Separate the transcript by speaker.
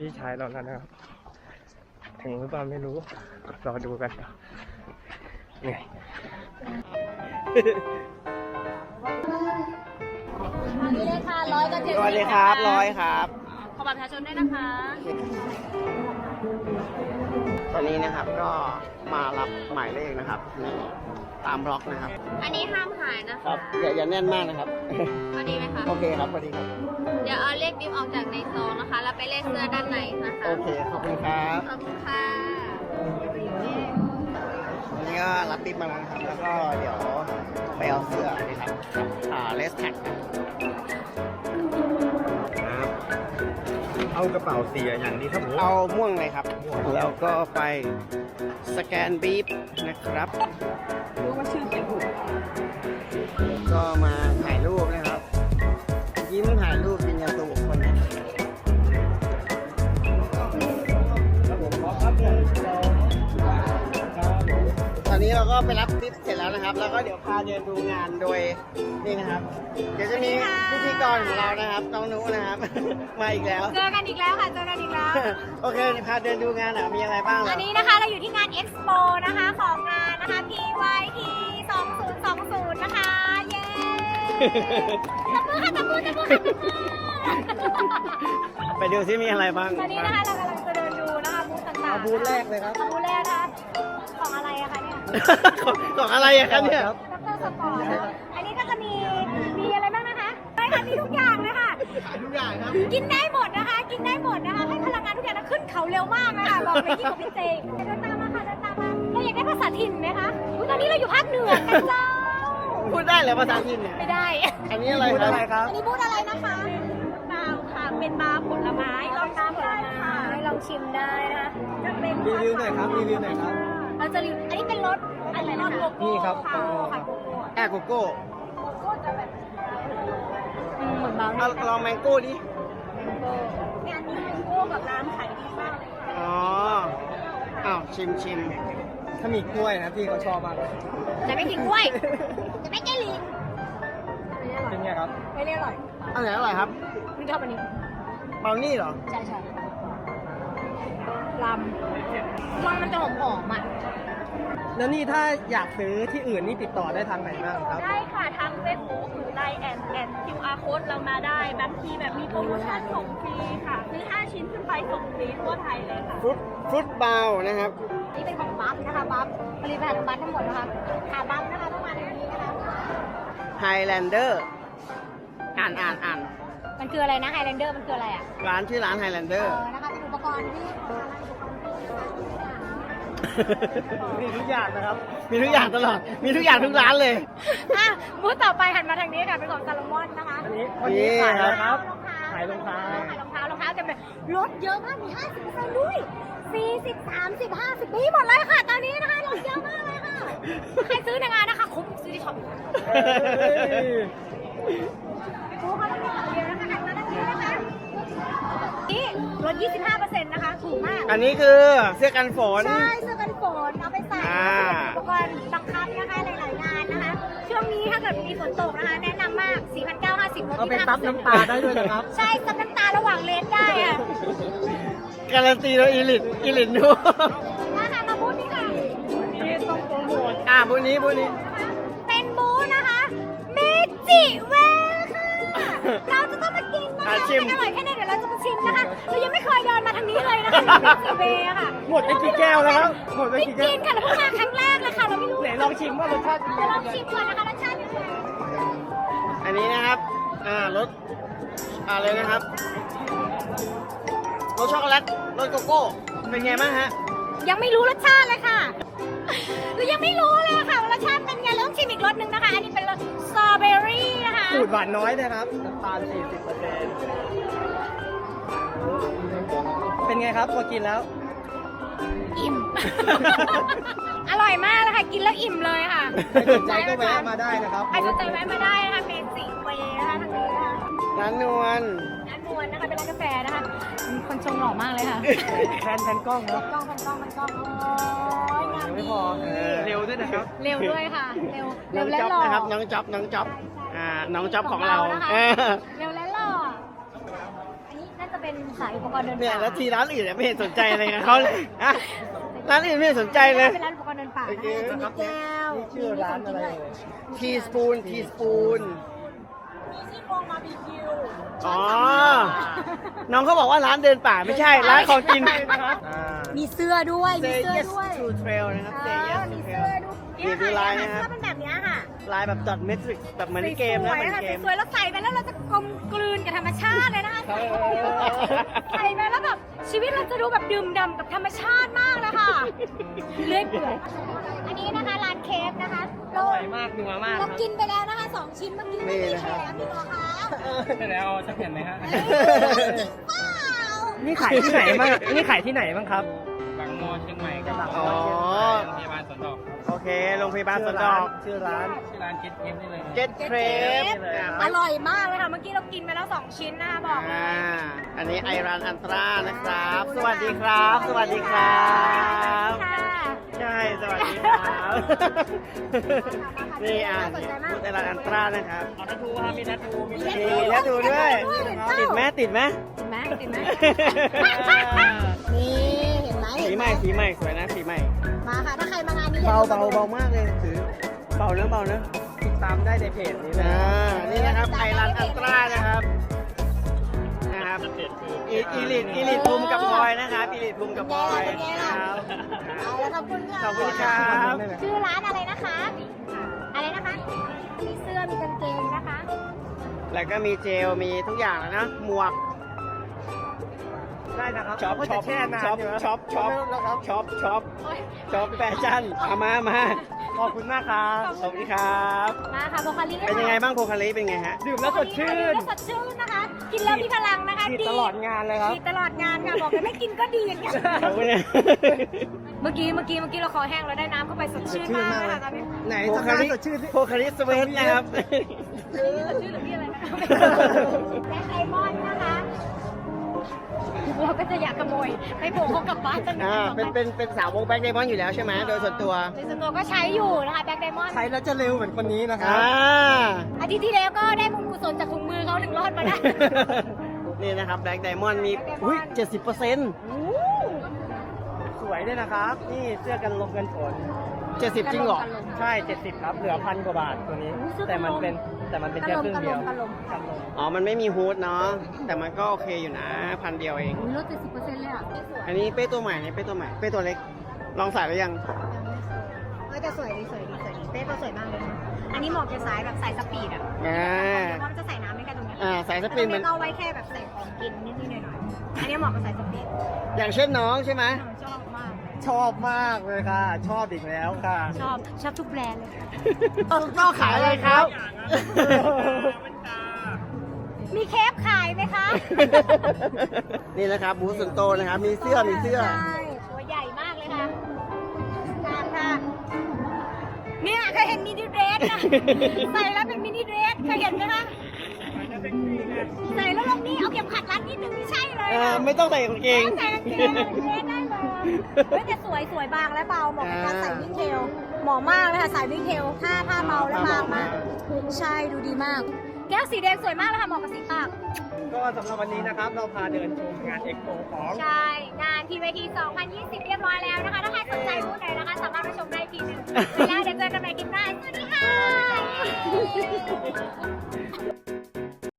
Speaker 1: พี่ชายเราแล้วนะครับถึงหรือเปล่าไม่รู้รอดูกันเหนื่อย
Speaker 2: นี่เลยค่ะ100 กับ 70
Speaker 1: สวัสดีครับ100ครับ
Speaker 2: ขอบัตรประชาชนด้วยนะคะ
Speaker 1: ตอนนี้นะครับก็มารับหมายเลขนะครับนี่ตามบล็อกนะครับ
Speaker 2: อันนี้ห้ามหายนะ
Speaker 1: ครั
Speaker 2: คะ
Speaker 1: บอย่าแน่นมากนะครับ
Speaker 2: พอดีไหมคะ
Speaker 1: โอเคครับพอดีครับ
Speaker 2: เดี๋ยวเอาเลขบิ๊บออกจากในซองนะคะ แล้วไปเลขเสื้อด้านในนะคะ
Speaker 1: โอเคขอบคุณครับ
Speaker 2: ขอบคุณค่ะ
Speaker 1: วันนี้ก็รับปิ๊บมาแล้วนะครับแล้วก็เดี๋ยวไปเอาเสื้อนะครับเลสแท็ก
Speaker 3: เอากระเป๋าเสียอย่างนี้ครับผม
Speaker 1: เอาม่วงเลยครับแล้วก็ไปสแกนบีบนะครับรู้ว่าชื่อเขียนถูกก็มาถ่ายรูปนะครับยิ้มถ่ายรูปเป็นยันตัวบุคคลตอนนี้เราก็ไปรับทิปเสร็จแล้วนะครับ แล้วก็เดี๋ยวพาเดินดูงานโดยนี่นะครับ เดี๋ยวจะมีพิธีกรของเรานะครับน้องนุนะครับ มาอีกแล้ว
Speaker 2: เจอกันอีกแล้วค่ะ เจอกันอีกแล้ว
Speaker 1: โอเคพาเดินดูงานหน่อยมีอะไรบ้างเหร
Speaker 2: อั
Speaker 1: อ
Speaker 2: นนี้นะคะเราอยู่ที่งาน Expo นะคะของงานนะคะ PYT 2020 นะคะ เย้ตบมือค่ะตบมือตบมือค่ะตบมือ
Speaker 1: ไปดูซิมีอะไรบ้าง
Speaker 2: ตอนนี้นะคะเรากำลังจะเดินดูนะคะบูธต่างๆ
Speaker 1: เอาบูธแรกเลยครับ
Speaker 2: เอาบูธแรกนะคะของอะไรอะคะเนี่ย
Speaker 1: ของอะไรอะครับเนี่ย
Speaker 2: ดรสปอร์ตนะคะอันนี้ก็จะมีอะไรบ้างนะคะไม่ค่ะมีทุกอย่างเลยค่ะ
Speaker 1: ทุกอย่างครับ
Speaker 2: กินได้หมดนะคะ กินได้หมดนะคะ ให้พลังงานทุกอย่างนะขึ้นเขาเร็วมากนะคะบอกเลยยิ่งกว่าพี่เจเดินตามมาค่ะเดินตามมาเราอยากได้ภาษาถิ่นไหมคะอุ๊ยตอนนี้เราอยู่ภาคเหนือกันเจ้า
Speaker 1: พูดได้เหรอภาษาจีนเนี่ย
Speaker 2: ไม่ได้
Speaker 1: อันนี้อะไรครับ
Speaker 2: อันนี้บูธอะไรนะคะบาวค่ะ เป็นบาร์ผลไม้ลองชิมได้ค่ะลองชิมได้นะคะจะเป็น
Speaker 1: รีวิวหน่อยครับรีวิวหน่อยครับ
Speaker 2: เราจะรีวิวอันนี้เป็นรสอะไรนะคะ
Speaker 1: นี่ครับ
Speaker 2: ค่ะค่ะโกโก้
Speaker 1: แอร์โกโก้
Speaker 2: โกโก้จะแบบเหมือนบาร์
Speaker 1: เอาลองแมงโก้ดิ
Speaker 2: งานนี้แมงโก้กับร้านขายดีมากเลย
Speaker 1: อ๋ออ้าวชิมถ้ามีกล้วยนะพี่เขาชอบมากเลย
Speaker 2: แต่ไม่กินกล้วยแต่ไม่แก้ลิง
Speaker 1: เป็นไงครับ
Speaker 2: ไม่ได้อร่อย
Speaker 1: อันไหนอร่อยครับ
Speaker 2: ไม่ชอบอันนี้
Speaker 1: เบลนี่เหรอ
Speaker 2: ใช่ใช่ลำมันจะหอมๆอ่ะ
Speaker 1: แล้วนี่ถ้าอยากซื้อที่อื่นนี่ติดต่อได้ทางไหนบ้างครับ
Speaker 2: ได้ค่ะทางเฟซบุ๊กหรือไลน์แอน QR code เรามาได้บางทีแบบมีโปรโมชั่นส่งฟรีค่ะซื้อ5 ชิ้นขึ้นไปส่งฟรีทั่วไทยเลยค่ะ
Speaker 1: ฟรุตบาวนะครับ
Speaker 2: นี่เป็นของบัฟนะคะบัฟผลิตภัณฑ์ของบัฟทั้งหมดนะคะหาบัฟนะคะต้องมาในนี้นะคะ
Speaker 1: Highlander อ่าน
Speaker 2: มันคืออะไรนะไฮแลนเดอร์มันคืออะไรอ่ะ
Speaker 1: ร้านชื่อร้าน Highlander
Speaker 2: นะคะเป็นอุปกรณ์ที่
Speaker 1: มีทุกอย่างนะครับ มีทุกอย่างตลอด มีทุกอย่างทุกร้านเลย
Speaker 2: อ่ะบูธต่อไปหันมาทางนี้ค่ะเป็นของซาโลมอนนะคะ
Speaker 1: อันนี้ขายอะไรครับ ขายรองเท้า
Speaker 2: รองเท้าจะเป็นลดเยอะมากมี 50% ด้วย 40 30 50มีหมดเลยค่ะ ตอนนี้นะคะลดเยอะมากเลยค่ะใครซื้อในงานนะคะคุ้มซื้อที่ช็อปดูเขาต้องมีหลังเดียวนะคะหันมาทางนี้นะคะนี่ลด 25% นะคะถูกมาก
Speaker 1: อันนี้คือเสื้อกันฝน
Speaker 2: ใช่เสื้อกันฝนเอาไปใส่
Speaker 1: อ่า
Speaker 2: อุปกรณ์บังคับนะคะหลายๆงานนะคะ ช่วงนี้ถ้าเกิดมีฝนตกนะคะ แนะนำมาก 4,950 ลด
Speaker 1: เอาไป
Speaker 2: 25%
Speaker 1: ซับน้ำตาได้ด้วยนะครับ
Speaker 2: ใช่ซับน้ำตาระหว่างเลนได้อะ
Speaker 1: การันตีโดยอีลิทดู
Speaker 2: มาค่ะมาบูธนี่ค่ะ
Speaker 1: นี่ต้องโปรโมทบูธนี้
Speaker 2: เป็นบูธนะคะเมจิเวลค่ะ เราจะต้องมากินนะคะ
Speaker 1: ชิม
Speaker 2: มันอร่อยแค่ไหนเดี๋ยวเราจะมาชิมนะคะ เรายังไม่เคยเดินมาทางนี้เลยนะคะเมจิเวลค่ะ
Speaker 1: หมดไปกี่แก้วแล้วครับ หมดไป
Speaker 2: ไม่
Speaker 1: กี่แก้
Speaker 2: กิ
Speaker 1: วน
Speaker 2: ค่ะเราเพิ่งมาครั้งแรกเลยค่ะเราไม่รู้
Speaker 1: ไหนลองชิมว่ารสชาติเป็น
Speaker 2: เดี๋ยว
Speaker 1: ไง
Speaker 2: ลองชิมก่อนนะคะรสชาติเป็นไง
Speaker 1: อันนี้นะครับ รสอะไรนะครับ รสช็อกโกแลต รสโกโก้ เป็นไงบ้างฮะ
Speaker 2: ยังไม่รู้รสชาติเลยค่ะเรายังไม่รู้เลยค่ะว่ารสชาติเป็นไงเราต้องชิมอีกรสหนึ่งนะคะ อันนี้เป็นรสสตรอเบอรี่นะคะ
Speaker 1: สูตรหวานน้อยนะครับน้ำตาล 40%เป็นไงครับพอกินแล้ว
Speaker 2: อิ่ม อร่อยมากเลยค่ะ กินแล้วอิ่มเลยค่ะ
Speaker 1: ใครสนใจก็แวะมาได้นะครับ
Speaker 2: ใครสนใจแวะมาได้นะคะเมจิเวนะคะทางนี้นะคะ
Speaker 1: ร้านนวล
Speaker 2: ร้านนวลนะคะเป็นร้านกาแฟนะคะคนชงหล่อมากเลยค่ะ
Speaker 1: แทนกล้องครับ
Speaker 2: กล้องมันกล้องโอ้ยงาม
Speaker 1: ไม่
Speaker 2: ดี
Speaker 1: พอเร็วด้วยนะครับ
Speaker 2: เร็วด้วยค่ะ เร็ว
Speaker 1: น้อง
Speaker 2: และ
Speaker 1: จ๊อบ
Speaker 2: หล่อ
Speaker 1: นะครับ น้องจ๊อบน้องจ๊อบน้องจ๊อบของเรา
Speaker 2: นะคะเร็วและหล่ออันนี้น่าจะเป็นขายอุปกรณ์เดิน
Speaker 1: เนี่ย
Speaker 2: ป่า
Speaker 1: แล้วทีร้านอื่นเนี่ยไม่เห็นสนใจอะไรกับเขาเลยอะร้านอื่นไม่เห็นสนใจเลย
Speaker 2: เป็นร้านอุปกรณ์เดินป่านะคะจะมีแก้ว
Speaker 3: นี่ชื่อร้านอะไร
Speaker 1: ทีสปูน
Speaker 2: มีซี่โครงบาร์บีคิว
Speaker 1: อ๋อ น้องเขาบอกว่าร้านเดินป่าไม่ใช่ ร้านของกิน
Speaker 2: มีเสื้อด้วย มี
Speaker 1: Say
Speaker 2: เสื้อ
Speaker 1: yes
Speaker 2: ด้วย
Speaker 1: to trail นะครับ Say yes
Speaker 2: มี
Speaker 1: to
Speaker 2: เสื้
Speaker 1: trail
Speaker 2: อด้วย
Speaker 1: นี่ดูลายนะครับ
Speaker 2: เสื้อเป็นแบบเนี้ยค่ะ
Speaker 1: ลายแบบดอทเมทริกแบบเหมือนในเกมนะ
Speaker 2: สวย
Speaker 1: เหมือน
Speaker 2: ๆค่ะ
Speaker 1: เกม
Speaker 2: สวยๆแล้วใส่ไปแล้วเราจะกลมกลืนกับธรรมชาติเลยนะคะใส่ไปแล้วแบบชีวิตเราจะดูแบบดื่มด่ำกับธรรมชาติมากเลยค่ะเลื่อยเปื่อยอันนี้นะคะร้านเคฟนะคะ
Speaker 1: อร่อยมากนัวมาก
Speaker 2: เรากินไปแล้วนะคะ2 ชิ้นเมื่อกี้ไม่มีแถมพี่หมอคะ
Speaker 3: ใช่แล้วจะเห็นไหมฮะ
Speaker 2: จริงเปล่า
Speaker 1: นี่ขายที่ไหนบ้างนี่ขายที่ไหนบ้างครับ
Speaker 3: บางมอเชียงใหม่กับบาง
Speaker 1: อ๋อ
Speaker 3: โรงพยาบาลสวนดอก
Speaker 1: โอเค โรงพยาบาลสวนดอก
Speaker 3: ชื่อร้านเก็ตเกมนี่เลย
Speaker 1: Get Crave
Speaker 2: อร่อยมากเลยค่ะ เมื่อกี้เรากินไปแล้ว2 ชิ้นนะคะบอกเลย
Speaker 1: อันนี้ไอรันอันตรานะครับ สวัสดีครับ สวัสดีครับ
Speaker 2: ค่ะ
Speaker 1: ใช่ สวัสดีครับ นี่พูดไอรันอันตรานะครับ
Speaker 3: เอาทัทูครับมีทัทูมี
Speaker 1: มีแททูด้วย ติดไหมติดไหม
Speaker 2: เห็นไหมเห็นไหมนี่เห็นไหม
Speaker 1: สีใหม่สีใหม่สวยนะสีใหม่
Speaker 2: มาค่ะ ถ้าใครมางานนี้
Speaker 1: เบามากเลยถือเบานะติดตามได้ในเพจนี้นะนี่นะครับไอรันอันตรานะครับอีลิทภูมิกับพลอยนะครับอีลิทภูมิกับพลอยนะครับ
Speaker 2: เอาแล้วขอบคุณค่ะ
Speaker 1: ขอบคุณครับ
Speaker 2: ชื่อร้านอะไรนะคะ อะไรนะคะ มีเสื้อ มีกางเกงนะคะ
Speaker 1: แล้วก็มีเจลมีทุกอย่างแล้วนะหมวก
Speaker 3: ได้นะครับ
Speaker 1: ช็อป
Speaker 3: ก็จะแช่นานอยู่นะ
Speaker 1: ช็อปแฟชั่นเอามา
Speaker 3: ขอบคุณมากครับ
Speaker 1: ขอบคุณครับ
Speaker 2: มาค่ะโบคาลี
Speaker 1: เป็นยังไงบ้างโพคาลิเป็นไงฮะ
Speaker 3: ดื่มแล้วสดชื่น
Speaker 2: สดชื่นนะคะ กินแล้วมีพลังนะคะ
Speaker 3: ฉีดตลอดงานเลยครับ
Speaker 2: ฉีดตลอดงานค่ะ บอกเลยไม่กินก็ดีอย่างเงี้ย
Speaker 1: ขอบคุณนะ
Speaker 2: เมื่อกี้เราคอแห้งแล้วได้น้ำเข้าไปสดชื่นมากเลยค่ะตอนนี้
Speaker 3: ไหน
Speaker 1: โพ
Speaker 3: ทำ
Speaker 1: คา
Speaker 3: หน้า
Speaker 1: ลิ
Speaker 3: สดชื่นสิ
Speaker 1: โพคาลิสเวทนะครับ
Speaker 2: ชื่อหรือพี่อะไรนะแบ็คไดมอนด์นะคะเราก็จะอยากขโมยไปโบกเขากลับบ้านตั้ง
Speaker 1: เป็นสาววงแบ็คไดมอนด์อยู่แล้วใช่ไหมโดยส่วนตัว
Speaker 2: ในส่วนตัวก็ใช้อยู่นะคะแบ็คไดมอนด์
Speaker 3: ใช้แล้วจะเร็วเหมือนคนนี้นะครับ
Speaker 2: อาทิตย์ที่แล้วก็ได้บุญกุศลจากถุงมือเขาถึงรอดมาได้
Speaker 1: นี่นะครับแบ็คไดมอนด์มีอุ้ย70%
Speaker 3: สวยด้วยนะครับ นี่เสื้อกันลมกันฝน
Speaker 1: 70จริงเหรอ
Speaker 3: ใช่ 70 ครับ เหลือ1,000 กว่าบาทตัวนี้ แต่มันเป็นแค่ครึ่งเดียว
Speaker 2: กันลม
Speaker 3: กันลม
Speaker 1: อ๋อ มันไม่มีฮูดเนาะ แต่มันก็โอเคอยู่นะ1,000เดียวเอง
Speaker 2: ลด70%เลยอ่ะ
Speaker 1: อันนี้เป้ตัวใหม่นี่เป้ตัวใหม่ เป้ตัวเล็ก ลองใส่หรือยัง
Speaker 2: จะสวยดีเป้ก็สวยมากเลยนะอันนี้เหมาะกับสายแบบสายสปีดอ่ะเพราะมันจะใส่น้ำไม่กันตรงนี้
Speaker 1: ใส่สปรินมัน
Speaker 2: ก็เอาไว้แค่แบบใส่ของกินนิดๆหน่อยๆอันนี้เหมาะกับสายสปีด
Speaker 1: อย่างเช่นน้องใช่ไหม
Speaker 2: ชอบมาก
Speaker 3: ชอบมากเลยค่ะ ชอบอีกแล้วค่ะ
Speaker 2: ชอบทุกแบรนด์เลย
Speaker 1: ก็ขายอะไรครับ
Speaker 2: มีเคฟขายไหมคะ
Speaker 1: นี่นะครับบูธส่วนโตวนะครับ มีเสื้อ
Speaker 2: ใช่ตัวใหญ่มากเลยค่ะงามค่ะเนี่ยเคยเห็นมินิเดรสนะใส่แล้วเป็นมินิเดรสเคยเห็นไหมคะใส่แล้วลงนี่เอาเข็มขัดรัดนิดนึงไม่ใช่เลยอะ
Speaker 1: ไม่ต้องใส่กางเกง
Speaker 2: ใส่กางเกงเดรสได้เลยเฮ้ยแต่สวยบางและเบาเหมาะกับการใส่วิ่งเทลเหมาะมากเลยค่ะใส่วิ่งเทลผ้าเบาและบางมากใช่ดูดีมาก แก้วสีแดงสวยมากเลยค่ะเหมาะกับสีปาก
Speaker 3: ก็สำหรับวันนี้นะครับ เราพาเดินชมงานเอ็กโปของ
Speaker 2: ใช่ งานทีเวที 2020 เรียบร้อยแล้วนะคะ ถ้าใครสนใจบูธไหนนะคะ สามารถมาชมได้อีกทีหนึงแล้วเดี๋ยวเจอกันใหม่คลิปหน้าสวัสดีค่ะ